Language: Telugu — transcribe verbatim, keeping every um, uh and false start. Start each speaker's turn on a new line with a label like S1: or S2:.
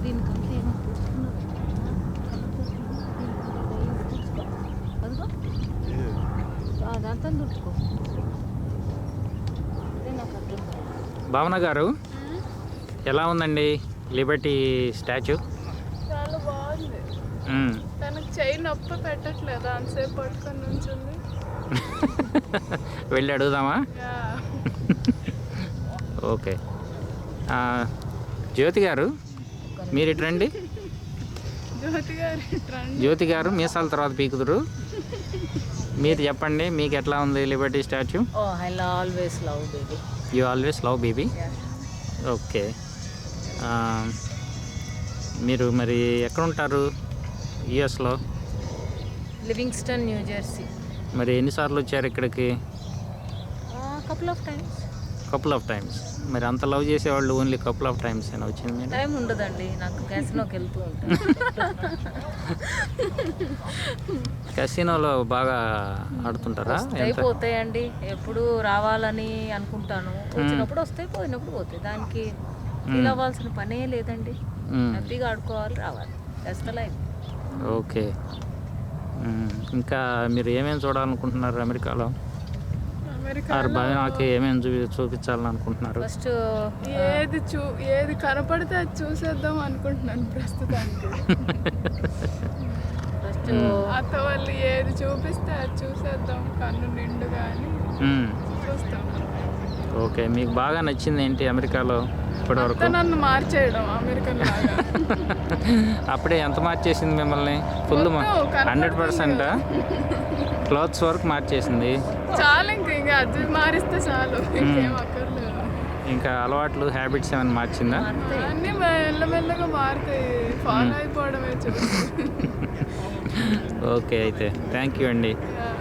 S1: దీనికంటే ఏమో పూసుకున్నారు. అదిగో అదంతా దుడుచుకో. అదే నాకు అర్థం.
S2: భావన గారు ఎలా ఉందండి లిబర్టీ స్టాచ్యూ?
S3: చాలా బాగుంది. తనకు చెయ్యి నొప్పి పెట్టట్లేదు, అంతసేపు పట్టుకొని నుంచింది.
S2: వెళ్ళి అడుగుదామా? ఓకే. జ్యోతి గారు మీరు ఇటు రండి.
S3: జ్యోతి గారు
S2: జ్యోతి గారు మీసాల తర్వాత పీకుదురు. మీరు చెప్పండి, మీకు ఎట్లా ఉంది liberty statue?
S1: Oh I always love baby.
S2: You always love baby. Okay. మీరు మరి ఎక్కడ ఉంటారు యుఎస్లో?
S1: Livingston, New Jersey.
S2: మరి ఎన్నిసార్లు వచ్చారు ఇక్కడికి?
S1: Couple of times.
S2: Couple of times. మరి అంత లవ్ చేసేవాళ్ళు ఓన్లీ కపుల్ ఆఫ్ టైమ్స్ అయినా వచ్చింది మీరు?
S1: టైం ఉండదండి నాకు, క్యాసినోకి వెళ్తూ ఉంటాను.
S2: కసినోలో బాగా ఆడుతుంటారా?
S1: అయిపోతాయండి, ఎప్పుడు రావాలని అనుకుంటాను, వచ్చినప్పుడు వస్తాయి, పోయినప్పుడు పోతాయి. దానికి ఫీల్ అవ్వాల్సిన పనే లేదండి. హ్యాపీగా ఆడుకోవాలి, రావాలి. That's the life.
S2: ఓకే. ఇంకా మీరు ఏమేమి చూడాలనుకుంటున్నారు అమెరికాలో? నాకు ఏమేమి చూపి చూపించాలని అనుకుంటున్నారు?
S1: ఫస్ట్
S3: ఏది చూ ఏది కనపడితే అది చూసేద్దాం అనుకుంటున్నాను ప్రస్తుతానికి.
S1: ఫస్ట్
S3: అత్త వాళ్ళు ఏది చూపిస్తే అది చూసేద్దాం కన్ను నిండుగా అని చూస్తాం.
S2: ఓకే. మీకు బాగా నచ్చింది ఏంటి అమెరికాలో ఇప్పటివరకు?
S3: నన్ను మార్చేయడం అమెరికన్ లాగా.
S2: అప్పుడే ఎంత మార్చేసింది మిమ్మల్ని? ఫుల్ హండ్రెడ్ పర్సెంట్ క్లాత్స్ వరకు మార్చేసింది.
S3: చాలు, ఇంకా ఇంకా అది మారిస్తే చాలు, ఇంకేం అక్కర్లేదు.
S2: ఇంకా అలవాట్లు, హ్యాబిట్స్ ఏమైనా మార్చిందా?
S3: అన్నీ మెల్లమెల్లగా మారుతాయి, ఫాలో అయిపోవడమే చూసి.
S2: ఓకే, అయితే థ్యాంక్ యూ అండి.